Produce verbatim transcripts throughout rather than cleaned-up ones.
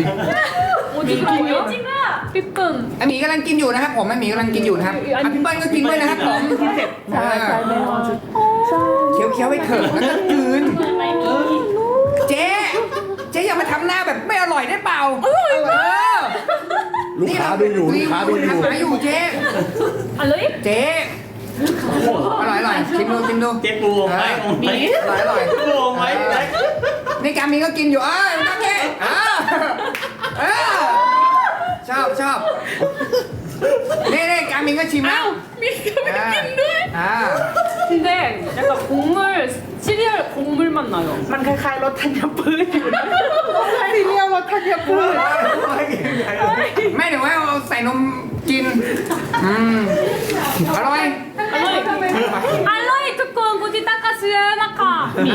ริง 오징어요? 삐끔. ไอหมีกำลังกินอยู่นะครับผมไอหมีกำลังกินอยู่นะครับอ่ะพี่เปิ้ลก็กินด้วยนะครับผมใช่ใช่แม่เอาจุดใช่เคี้ยวเคี้ยวๆไปเถอะแล้วก็กลืนเจ๊เจ๊อย่ามาทำหน้าแบบไม่อร่อยได้เปล่าเออลูกค้าดูอยู่ลูกค้าดูอยู่ทำหมาอยู่เจ๊ 알로이? เจ๊อร่อยอร่อยชิมดูชิมดูเจ๊ปูวงไว้วงไว้อร่อยอร่อยปูวงไว้นี่กามีก็กินอยู่เอ้ยโอเคเออเออชอบชอบนี่นี่กามินก็ชิมแล้ว 미가 낀데? อ่า 근데 약간 곡물, 시리얼 곡물 맛 나요. มันคล้ายๆรสธัญพืชอยู่นะซีเรียลรสธัญพืชไม่เดี๋ยวไว้เอาใส่นมกินอืมอร่อย 알로이. 알로이 두꺼운 고지 닦았어요, 나카.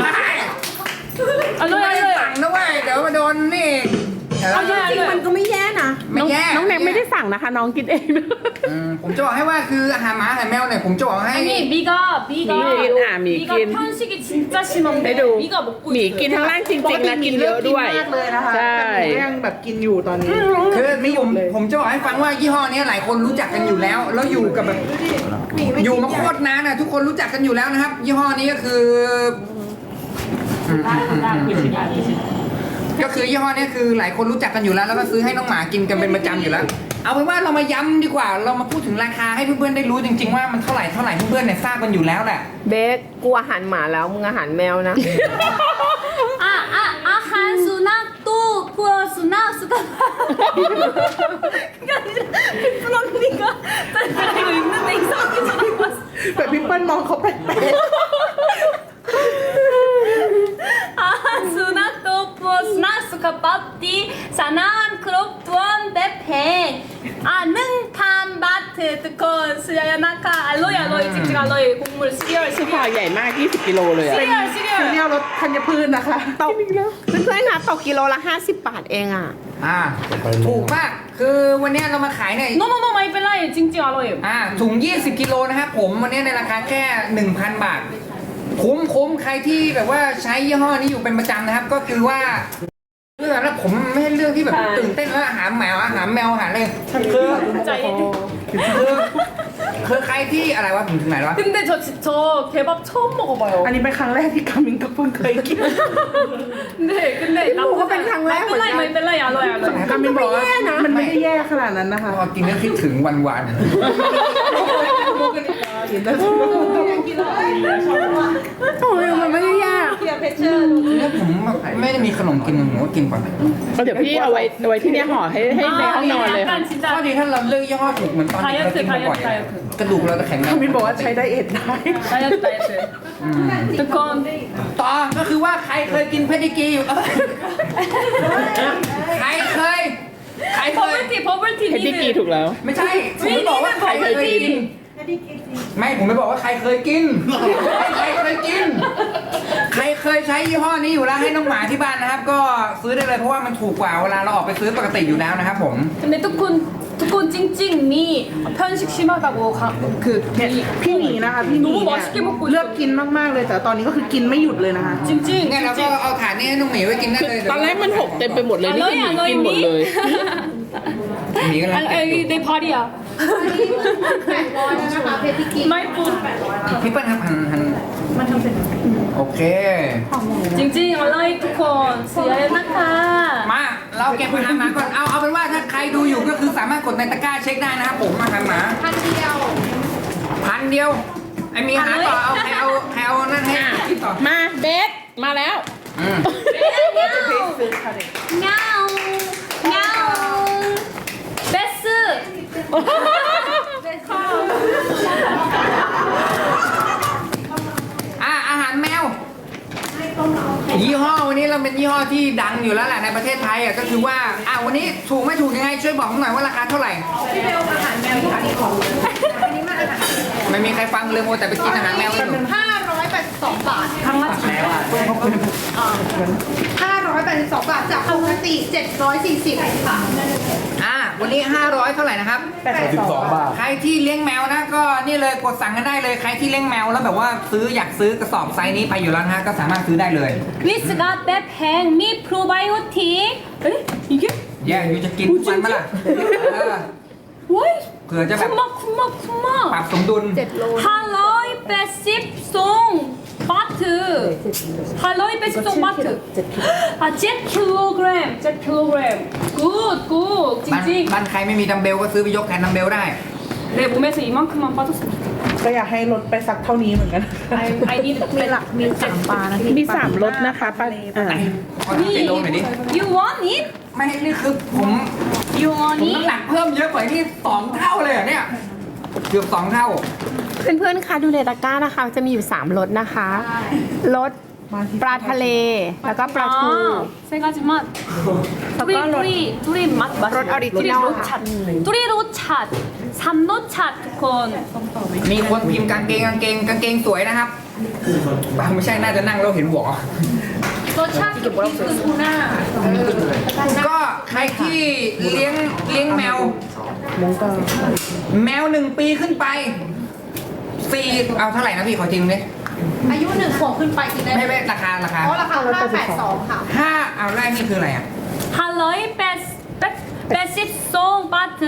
ไม่ได้ 알로이, สั่ง 알로이. นะเว้ยเดี๋ยวมาโดนนี่เออเอาแย่จริงๆมันก็ไม่แย่นะไม่แย่น้องแน็กไม่ได้สั่งนะคะ น้องกินเองนะอืมผมจะบอกให้ว่าคืออาหารหมาอาหารแมวเนี่ยผมจะบอกให้ 아니 미가 미가 미긴, 아, 미가 미긴. 편식이 진짜 심한데 해도 미가 먹고 หมี 있어요. กินทั้งล่างจริงๆนะกินเยอะด้วยมากเลยนะคะใช่แต่หนูก็ยังแบบกินอยู่ตอนนี้คือไม่ผมเลยผมจะบอกให้ฟังว่ายี่ห้อนี้หลายคนรู้จักกันอยู่แล้ว แล้วอยู่กับแบบอยู่มาโคตรนานนะทุกคนรู้จักกันอยู่แล้วนะครับ ยี่ห้อนี้ก็คืออืมอืมอืมอืมก็คือยี่ห้อนี้คือหลายคนรู้จักกันอยู่แล้ว แล้วก็ซื้อให้น้องหมากินกันเป็นประจำอยู่แล้ว เอาเป็นว่าเรามาย้ำดีกว่า เรามาพูดถึงราคาให้เพื่อนๆได้รู้จริง ๆว่ามันเท่าไหร่เท่าไหร่เพื่อนๆเนี่ยทราบกันอยู่แล้วแหละเบสกูอาหารหมาแล้วมึงอาหารแมวนะ 아아 아한 수낙 또 부어 수낙 수가 그게 아니라 예쁜 언니가 나 이거 읽는데 이상하게 적어봤어. แต่พี่เปิ้ลมองเขาแปลก 아한 수낙 또 부어 수낙 수가 밥디 사나한 크롭 두원 베팽 아능 판바트 듣고 수야야 나카 알로이 알로이 찍찍 알로이 곡물 시리얼 คือห่อ 시리얼 ใหญ่มากยี่สิบกิโลเลยอะ 시리얼 ๆซีเรี 시리얼 ยลรสธัญพืชนะคะตกเพื่อนๆคะตกกิโลละห้าสิบบาทเองอ่ะอ่าถูกมากคือวันนี้เรามาขายเนี่ย 너무너무 많이 뺄라요 찡찡 알로이 อ่าถุง ยี่สิบ กิโลนะครับผมวันนี้ในราคาแค่ หนึ่งพัน บาท คุ้มคุ้มใครที่แบบว่าใช้ยี่ห้อนี้อยู่เป็นประจำนะครับ ก็คือว่าเรื่องแล้วผมไม่ใช่เรื่องที่แบบใช่ตื่นเต้นว่าอาหารแมวอาหารแมวอาหารอะไรคือ 진짜 이- คือคือใครที่อะไรวะผมถึงไหนแล้ววะ 근데 저, 지- 저 개밥 처음 먹어봐요 อันนี้เป็นครั้งแรกที่กามินกับเพิ่งเคยกิน 네 근데 나 그거 뺀 강래야, 마이 뺄라이 마이 뺄라이 알로이 알로이 กามินบอกว่ามันไม่ได้แย่ขนาดนั้นนะคะพอกินแล้วคิดถึงวันวานโอ้ยมันไม่ได้ยากแล้วผมไม่ได้มีขนมกินผมก็กินก่อนเดี๋ยวพี่เอาไว้เอาไว้ที่เนี่ยห่อให้ให้ในห้องนอนเลย 약간 ข้อ 진짜 ดีถ้าเราเลือกยี่ห้อถูกเหมือนตอนที่เรากินบ่อยๆไดเอทกระดูกเราจะแข็งแรงกามินบอกว่าใช้ไดเอทได้ 다이어트 다이어트 두콘 ต่อก็คือว่าใครเคยกินเพดิกรีอยู่เอ้ยใครเคยใครเคย 버블티 버블티 เพดิกรีถูกแล้วไม่ใช่ผมไม่บอกว่าใครเคยกิน ไม่ผมไม่บอกว่าใครเคยกินใครเคยกิน ใครเคยใช้ยี่ห้อนี้อยู่แล้วให้น้องหมาที่บ้านนะครับ ก็ซื้อได้เลยเพราะว่ามันถูกกว่าเวลาเราออกไปซื้อปกติอยู่แล้วนะครับผม 근데 두콘 두콘 찡찡미 편식 심하다고 가, 그 เนี่ยพี่หมีนะคะพี่หมี 너무 เนี่ย 맛있게 먹고 เลือก 있어 กินมากๆเลยแต่ตอนนี้ก็คือกินไม่หยุดเลยนะคะ 찡찡 เนี่ยเราก็ 찡찡 เอาถาดนี้ให้น้องหมีไว้กินได้คือเลยตอนแรกมันหกเต็มไปหมดเลยนี่คือหมีกินหมดเลยหมีก็แล้ว 아, 여기 내 발이야 마이프 พี่เปิ้ลครับหันหันมันทำเป็นโอเค 찡찡 얼라이 두콘 수야야 나카 มาเราเก็บอาหารหมาก่อนเอาเอาเป็นว่าถ้าใครดูอยู่ก็คือสามารถกดในตะกร้าเช็คได้นะครับผมอาหารหมาพันเดียวพันเดียวไอมีอาหารต่อเอาใครเอาใครเอานั่นให้กินต่อมาเบสมาแล้วอืม 냐옹 냐옹 베스 อ่ะอาหารแมวยี่ห้อวันนี้เราเป็นยี่ห้อที่ดังอยู่แล้วแหละในประเทศไทยอ่ะก็คือว่าอ่ะวันนี้ถูกไม่ถูกยังไงช่วยบอกผมหน่อยว่าราคาเท่าไหร่พี่เบลอาหารแมวที่ขายของไม่มีใครฟังเลยโมแต่ไปกินอาหารแมวกันอยู่ห้าร้อยแปดสิบสองบาทครั้งละห้าร้อยแปดสิบสองบาทจากปกติเจ็ดร้อยสี่สิบค่ะอ่ะวันนี้ห้าร้อยเท่าไหร่นะครับสิบสองบาทใครที่เลี้ยงแมวนะก็นี่เลยกดสั่งกันได้เลยใครที่เลี้ยงแมวแล้วแบบว่าซื้ออยากซื้อกระสอบไซส์นี้ไปอยู่แล้วนะฮะก็สามารถซื้อได้เลย 위스가 빼팽 미 프로바이오틱 에? 이게? แย่อยู่จะกินทุกวันมาล่ะเออ 월 เผื่อจะแบบ 쿠마 쿠마 ปรับ 쿠마 สมดุล 할로이 베십 송 바트 할로이 베십 송 바트 아칠 킬로그램 칠 킬로그램 굿굿 บ้าน 찡찡 บ้านใครไม่มีดัมเบลก็ซื้อไปยกแทนดัมเบลได้ 내 몸에서 이만큼만 빠졌으면 좋겠다 ก็อยากให้ลดไปสักเท่านี้เหมือนกัน I, I need to clean up มีสามปลานะพี่มีสามรสนะคะป้าอ่าขอดูเจโลหน่อยดิ You want it? ไม่นี่คือผม You ผม want น้ำห it? นักเพิ่มเยอะกว่าที่สองเท่าเลยเหรอเนี่ย เกือบสองเท่าเพื่อนๆคะดูในตะกร้านะคะ จะมีอยู่สามรสนะคะรสปลาทะเล แล้วก็ปลาทู 아, 세 가지 맛. 둘이 둘이 둘이 맛 맛. 롯 오리지널. 둘이 로차. 둘이 로차. 삼로차 두콘. มีคนพิมพ์กางเกงกางเกงกางเกงสวยนะครับบางไม่ใช่น่าจะนั่งแล้วเห็นหัว 로차 핑크구나. ก็ใครที่เลี้ยงเลี้ยงแมว แมวหนึ่งปีขึ้นไปฟรีเอาเท่าไหร่นะพี่ขอจริงเลยอายุหนึ่งขวบขึ้นไปกินได้ไม่ไม่ราคาราคาเพราะราคาห้าแปดสองค่ะห้าเอาแรกนี่คืออะไรอ่ะ 할로이 베스 베십송 바트.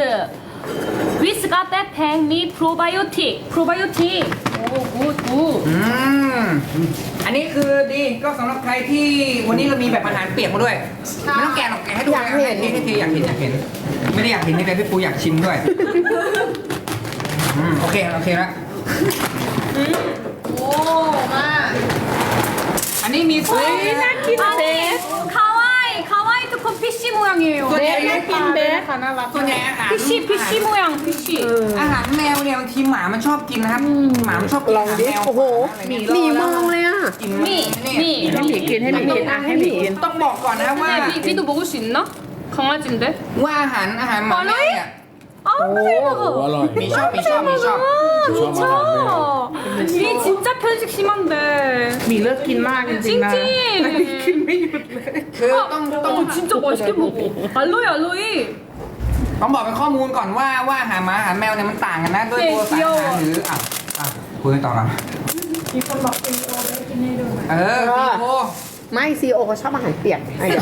위스가 빼팽 미 프로바이오틱. 프로바이오틱. 오, 굿, 굿. อืมอันนี้คือดีก็สำหรับใครที่วันนี้เรามีแบบอาหารเปียกมาด้วย ไม่ต้องแกะหรอกแกะให้ดูอยากเห็นให้ทีอยากเห็นอยากเห็น ไม่ได้อยากเห็นนี่เลยพี่ปูอยากชิมด้วยอืมโอเคโอเคแล้วโอ้มากอันนี้มีสวย 아니, 카와이, 카와이 두콘 피시 모양이에요. ส่วนใหญ่กินเบสค่ะน่ารักส่วนใหญ่อาหาร 피시, 피시 모양, 피시. อาหารแมวเนี่ยบางทีหมามันชอบกินนะครับ หมามันชอบกินอาหารแมวโอ้โหอะไรเงี้ยหมีมองเลยอ่ะกิน 미, นี่ 미. ให้หมีกินให้หมีกินอ่ะให้หมีกินต้องบอกก่อนนะครับว่า 네, 미, 미도 먹을 수 있나? 강아지인데? ว่าอาหารอาหารหมาแมวเนี่ย 아, โอ้ 대박. อร่อยมีชอบมีชอบมีชอบ 미쳐. 미 진짜 편식 심한데. หมีเลิกกินมากจริงๆนะจริงๆแต่หมีกินไม่หยุดเลยคือต้องต้อง 어, 진짜 맛있게 먹어. 알로이, 알로이. ต้องบอกเป็นข้อมูลก่อนว่าว่าอาหารหมาอาหารแมวเนี่ยมันต่างกันนะด้วยตัวสารอาหารหรืออ่ะอ่ะคุยกันต่อกันมีคนบอกซีโอได้กินให้ดูเออซีโอไม่ซีโอเขาชอบอาหารเปียกอ่ะเดี๋ยว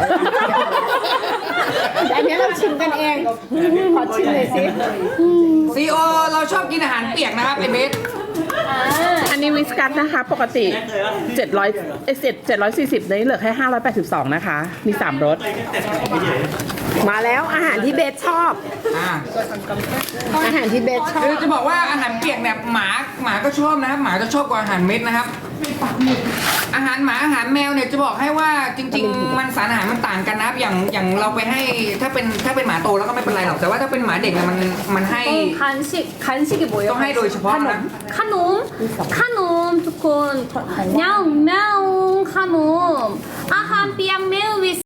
แต่อันนี้เราชิมกันเองขอชิมเลยสิซีโอเราชอบกินอาหารเปียกนะครับไอเบสอันนี้วิสกัสนะคะ ปกติเจ็ดร้อยเอเจ็ดเจ็ดร้อยสี่สิบนี้เหลือแค่ห้าร้อยแปดสิบสองนะคะ มีสามรสมาแล้วอาหารที่เบสชอบอ่าอาหารที่เบสชอคือบ จะบอกว่าอาหารเปียกเนี่ยหมาหมาก็ชอบนะครับหมาจะชอบกว่าอาหารเม็ดนะครับ อาหารหมาอาหารแมวเนี่ยจะบอกให้ว่าจริง ๆ มันสารอาหารมันต่างกันนะครับอย่างอย่างเราไปให้ถ้าเป็นถ้าเป็นหมาโตแล้วก็ไม่เป็นไรหรอกแต่ว่าถ้าเป็นหมาเด็กเนี่ยมันมันให้ 어, 간식, 간식이 뭐예요? ต้องให้โดยเฉพาะนะ 카놈, 카놈, 두콘, 냥, мя옹, 카놈, 아한, 삐양, 매우, 위스,